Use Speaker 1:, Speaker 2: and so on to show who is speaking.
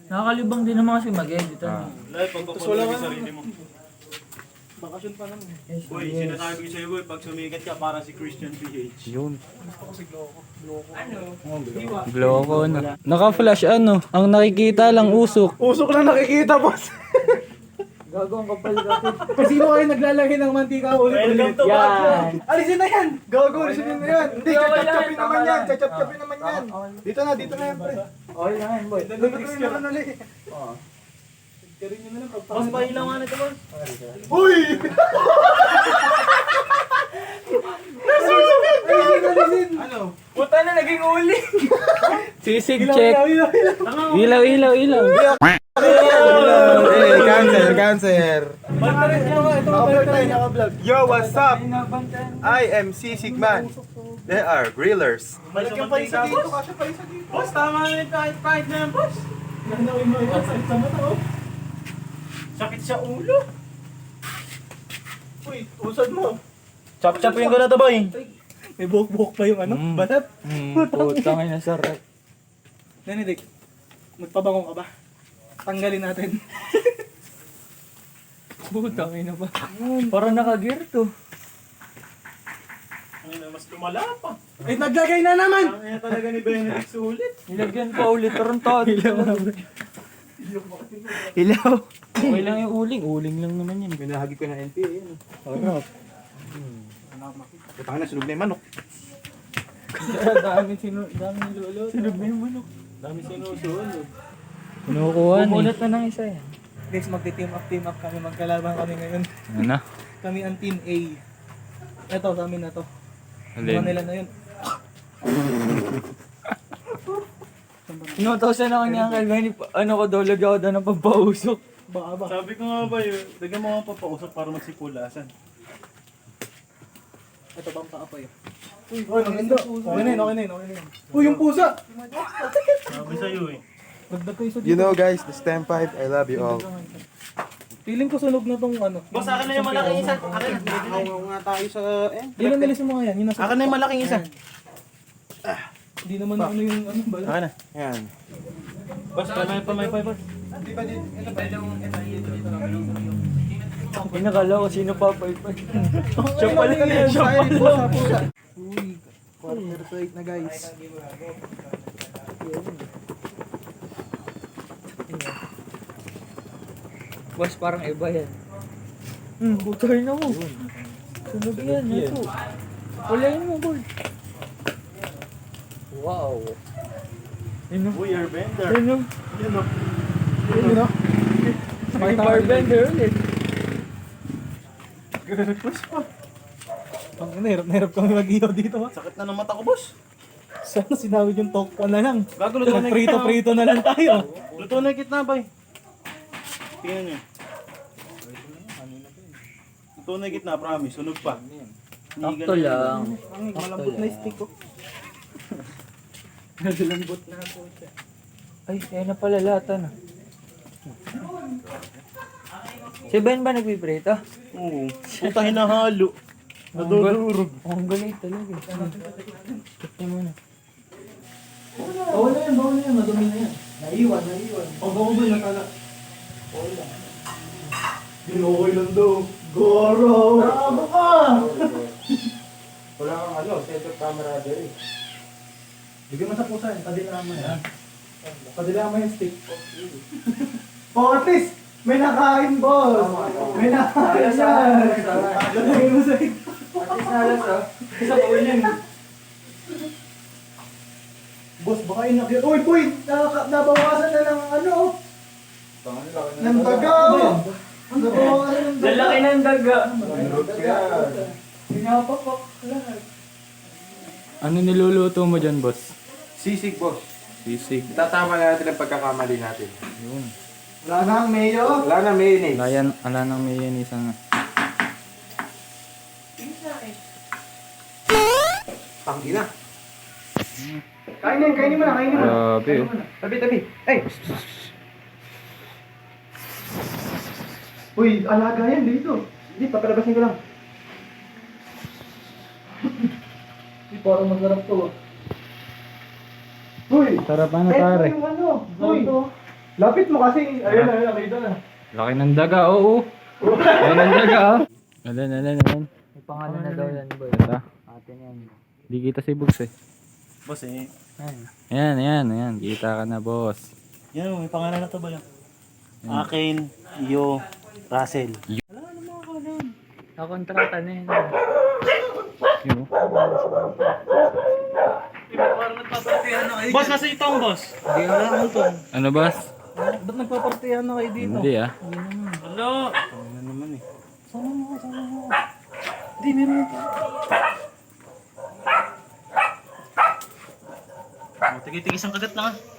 Speaker 1: Nakakalibang din naman kasi mag-edit.
Speaker 2: Live, pagpapuloy mo sarili mo.
Speaker 3: Bakasyon pa naman.
Speaker 2: Boy, sinasabi ko sa'yo boy, pag sumikat ka para si Christian PH.
Speaker 4: Yun.
Speaker 3: Gusto ko si Gloco.
Speaker 4: Gloco na. Naka-flash ano. Ang nakikita lang usok.
Speaker 3: Usok lang nakikita, boss.
Speaker 1: Gago ang kapal kasi.
Speaker 3: Sino kayo naglalagay ng mantika ulit-ulit?
Speaker 2: Welcome to
Speaker 1: Yan.
Speaker 3: Alisin na yan! Gago, alisin na yan! Hindi,
Speaker 1: Wala
Speaker 3: chachap-chapin
Speaker 1: yan,
Speaker 3: naman
Speaker 1: tama
Speaker 3: yan!
Speaker 1: na.
Speaker 3: Chachap-chapin naman yan! Dito na yan, pre.
Speaker 1: Okay lang yan, boy.
Speaker 3: Lulutuin naman ulit.
Speaker 1: Boss, pahilaw nga na ito, boss.
Speaker 3: Uy! Alisin! Ano?
Speaker 1: Puta na, naging uli.
Speaker 4: Sisig check.
Speaker 3: Ilaw!
Speaker 4: Ilaw.
Speaker 5: Hey, cancer.
Speaker 3: Naka-vlog.
Speaker 5: Yo, what's up? I am Sigman. They are grillers.
Speaker 3: Malagyan pa isa dito, kasya pa isa dito.
Speaker 2: Boss, tama na yung kahit na yan, boss.
Speaker 3: Nanawin mo yun, sakit sa mata, oh.
Speaker 2: Sakit sa ulo.
Speaker 3: Uy, usad mo.
Speaker 2: Chop-chopin ko na to boy.
Speaker 3: May buhok-buhok pa yung ano, balat.
Speaker 4: Putang ina sarap.
Speaker 3: Benedict, magpabango ka ba? Tanggalin natin.
Speaker 1: Putang ina ba? Parang naka-gear to.
Speaker 2: Mas lumala pa.
Speaker 3: Eh, naglagay na naman!
Speaker 2: Ang ina talaga ni Benedict sulit.
Speaker 1: Nilagyan pa ulit. Tarantado.
Speaker 4: Ilaw.
Speaker 1: Okay lang yung uling. Uling lang naman yan.
Speaker 5: Pinahagi ko na NPA yan.
Speaker 4: Sarap.
Speaker 5: Putang na, sunog na yung manok.
Speaker 1: Dami nilolo.
Speaker 4: Sunog na yung manok.
Speaker 2: Dami sinusunod.
Speaker 4: Kinukuha ni.
Speaker 1: Bumulat na ng isa yan.
Speaker 3: Guys, magti-team up kami, magkalaban kami ngayon.
Speaker 4: Ano na?
Speaker 3: Kami ang team A. Ito, sa amin na to. Mga
Speaker 4: Alin?
Speaker 3: nila na yun.
Speaker 1: Inutos na lang niya kay Benny. Ano ko daw, lagyan ko daw ng pampausok.
Speaker 3: Baka ba?
Speaker 2: Sabi ko nga ba yun, lagyan mo nga papausap para magsipulasan.
Speaker 3: Ito bang kaapoy? Uy, maganda. Okay na yun. Uy, yung pusa!
Speaker 2: Sabi sa'yo eh.
Speaker 3: Dagdag ko isa
Speaker 5: You
Speaker 3: dito.
Speaker 5: know guys, the STEM 5, I love you all.
Speaker 3: Feeling ko sunog na tong ano.
Speaker 2: Boss, akin na yung malaking isa. Akin na.
Speaker 5: Ako nga tayo sa...
Speaker 3: Yun ang nilis yung mga yan. Yun nasa...
Speaker 2: Akin na yung malaking isa.
Speaker 3: Hindi naman ano yung ano bala.
Speaker 2: Akin na.
Speaker 5: Yan.
Speaker 2: Boss, pamay, boss.
Speaker 1: Pinakala ko sino pa pa.
Speaker 3: Siya pala yan. Siya pala. Uy, quarter to 8 na guys.
Speaker 1: Boss, parang iba yan. Butay na mo. Sunog yan. Ito. Walayin mo, boy. Wow. Ano?
Speaker 2: Uy, airbender.
Speaker 1: Ano?
Speaker 2: Yan o.
Speaker 3: Yun no?
Speaker 1: May barbender ulit.
Speaker 3: Ang hirap kami mag-iyo dito ha.
Speaker 2: Sakit na ng mata ko, boss.
Speaker 3: Sana sinawid yung tokwa na lang.
Speaker 2: Bago luto na yung kitna.
Speaker 3: Prito na lang tayo.
Speaker 2: Luto na yung kitna, boy. Tingnan nyo. Luto na yung kitna, promise. Sunog pa.
Speaker 1: Sakto lang.
Speaker 3: Ang malambot na stick ko.
Speaker 1: Nalambot na ako siya. Ay, kaya na pala lata na. Si Ben ba nagpiprito?
Speaker 2: Oo. Puta hinahalo. Nadudurog.
Speaker 1: Ang galing talaga. Tignan mo na.
Speaker 3: Bawal na yan. Madumi na yan. Naiwan. Pag ako ba nakala? Ginokoy lang daw. Goro! Bravo ka!
Speaker 5: Wala kang ano, set of camaraderie.
Speaker 3: Bigyan mo sa pusa yan. Padilama yan. Padilama yung stick. Oh, at least, may nakain, boss! May nakain yan! Lalagay mo sa ito.
Speaker 1: Isa pa ulit.
Speaker 3: Boss, baka inakyan. Uy, boy! Nabawasan na ng ano? Ng daga! Nabawasan ng daga!
Speaker 1: Lalaki ng daga.
Speaker 3: Pinapapak lahat.
Speaker 4: Ano niluluto mo dyan, boss?
Speaker 5: Sisig boss.
Speaker 4: Sisig.
Speaker 5: Tatama na natin ang pagkakamali natin.
Speaker 4: Yun.
Speaker 3: Wala na ang mayo.
Speaker 5: Wala na mayonnaise.
Speaker 4: Ala nang may yan isang...
Speaker 5: Tangina.
Speaker 3: Kainin mo na.
Speaker 4: Grabe. Oh.
Speaker 5: Tabi. Ay!
Speaker 3: Uy, alaga yan dito.
Speaker 5: Hindi, papalabasin ko lang.
Speaker 3: Parang masarap to.
Speaker 5: Uy!
Speaker 4: Sarap ano pare.
Speaker 3: Yung ano? Uy! Lapit mo kasi. Ayun na, nakita na.
Speaker 4: Laki ng daga, oo. Laki ng daga, ah. Alan.
Speaker 1: May pangalan na daw yan, boy.
Speaker 4: Ito.
Speaker 1: Atin yan.
Speaker 4: Di kita si Bugs eh.
Speaker 2: Boss eh.
Speaker 4: Ayan. Kita ka na, boss.
Speaker 2: Yan, may pangalan na to ba yan? Akin, Iyo, Russell.
Speaker 1: Nakontrata na yun.
Speaker 4: Yun, oh.
Speaker 2: Boss, nasa ito ang boss.
Speaker 1: Hindi ka lang ito.
Speaker 4: Ano, boss?
Speaker 1: Ba't nagpapartihan na kayo dito?
Speaker 4: Hindi, ah.
Speaker 2: Hello. Ano naman eh.
Speaker 1: Sama mo. Hindi, meron ito.
Speaker 2: Tigis ang kagat lang ah.